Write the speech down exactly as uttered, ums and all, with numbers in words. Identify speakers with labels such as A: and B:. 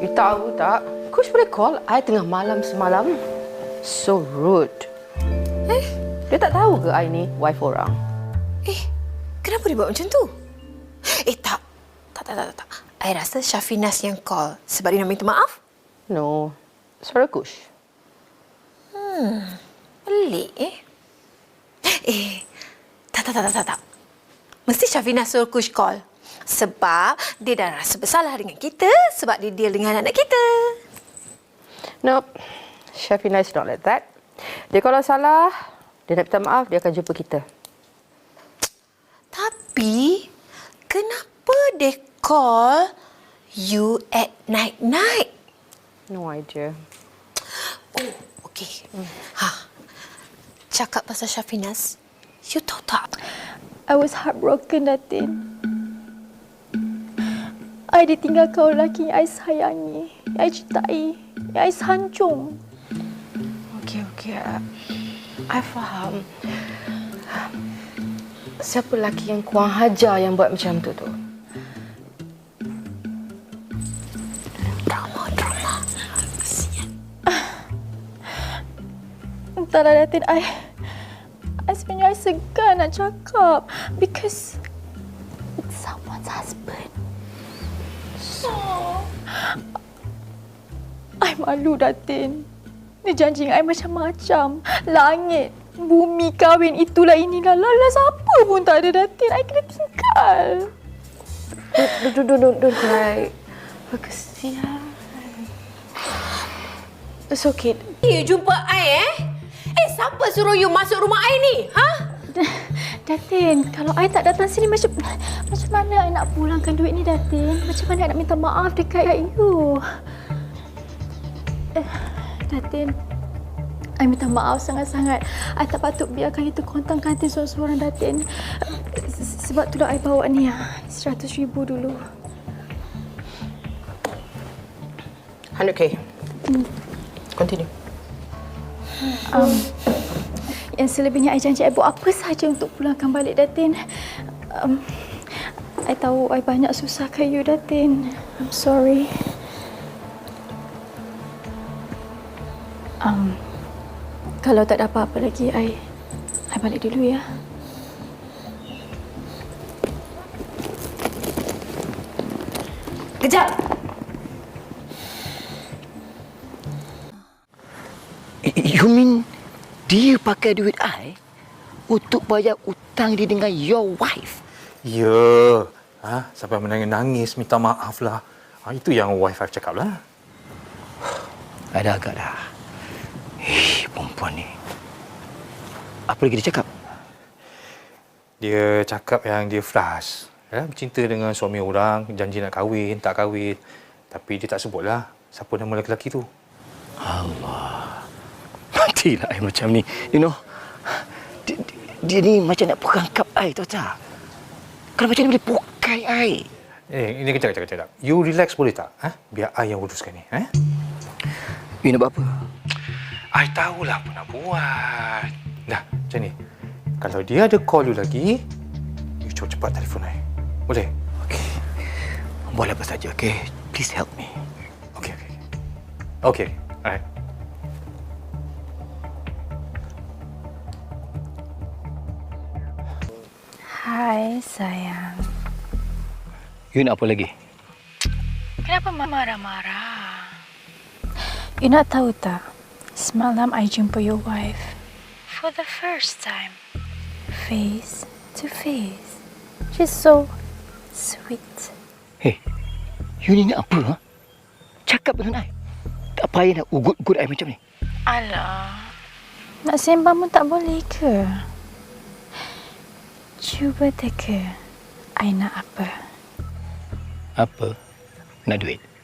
A: You tahu tak, Kush boleh call I tengah malam semalam. So rude.
B: Eh?
A: Dia tak tahu ke I ni wife orang?
B: Eh, kenapa dia buat macam tu? Eh, tak. Tak, tak, tak, tak. I rasa Syafinas yang call sebab dia nak minta maaf.
A: No, suara Kush.
B: Hmm, pelik eh. Eh, tak, tak, tak, tak, tak. tak. Mesti Syafinas suruh Kush call. Sebab dia dah rasa bersalah dengan kita sebab dia deal dengan anak kita.
A: Nope. Shafina is not like that. Dia kalau salah, dia nak minta maaf, dia akan jumpa kita.
B: Tapi, kenapa dia call you at night-night?
A: No idea.
B: Oh, okey. Hmm. Ha. Cakap pasal Syafinas, you tahu tak?
C: I was heartbroken, Datin. I ditinggalkan oleh lelaki yang I sayangi, yang I cintai, yang I sanjung.
A: Okey, okey. Uh, I faham. Siapa lelaki yang kurang hajar yang buat macam tu tu?
B: Drama, drama. Kesian.
C: Entahlah, Datin. I, I sebenarnya I segan nak cakap because it's someone's husband. So, I malu, Datin. Dia janji dengan I macam-macam. Langit, bumi, kahwin, itulah inilah. Lala siapa pun tak ada, Datin. I kena tinggal.
A: Don't, don't, don't, don't, don't cry. Kesian. It's okay.
B: You jumpa I eh? Eh, siapa suruh you masuk rumah I ni? Ha?
C: Datin, kalau I tak datang sini macam macam mana I nak pulangkan duit ni, Datin? Macam mana I nak minta maaf dekat you? Eh, Datin, I minta maaf sangat-sangat. I tak patut biarkan itu kontang kantin seorang-seorang, Datin. Sebab itulah I bawa ni seratus ribu dulu.
A: one hundred K.
C: Hmm.
A: Continue.
C: Um, yang selebihnya I janji I buat apa sahaja untuk pulangkan balik, Datin. Um, I tahu I banyak susahkan you, Datin. I'm sorry. Um, kalau tak ada apa-apa lagi, I, I balik dulu ya.
B: Kejap!
D: You mean dia pakai duit I untuk bayar hutang dia dengan your wife?
E: Ya. Ha? Sampai menangis-nangis, minta maaf lah. Ha, itu yang wife I cakap lah.
D: Ada agak dah. Eh, perempuan ni. Apa lagi dia cakap?
E: Dia cakap yang dia flash. Ya, bercinta dengan suami orang, janji nak kahwin, tak kahwin. Tapi dia tak sebutlah siapa nama lelaki tu.
D: Allah. Matilah I macam ni. You know, dia, dia ni macam nak perangkap I, tahu tak? Kalau macam ni boleh pokai I.
E: Eh, ini kejap, kejap, kejap. You relax boleh tak? Ha? Biar I yang uruskan ni. Eh?
D: You nak buat apa?
E: I tahulah apa nak buat. Dah, macam ni. Kalau dia ada call you lagi, you cepat-cepat telefon I. Boleh?
D: Okey. Buat apa saja, okey? Please help me.
E: Okey, okey. Okey, alright.
C: Hai, sayang.
D: You nak apa lagi?
C: Kenapa Mama marah-marah? You nak tahu tak? Semalam I jumpa your wife. For the first time. Face to face. She's so sweet.
D: Hey, you ni nak apa? Ha? Cakap dengan I. Tak payah nak ugut-ugut I macam ni.
C: Alah. Nak sembang pun tak boleh ke? Cuba teka. I nak apa?
D: Apa? Nak duit?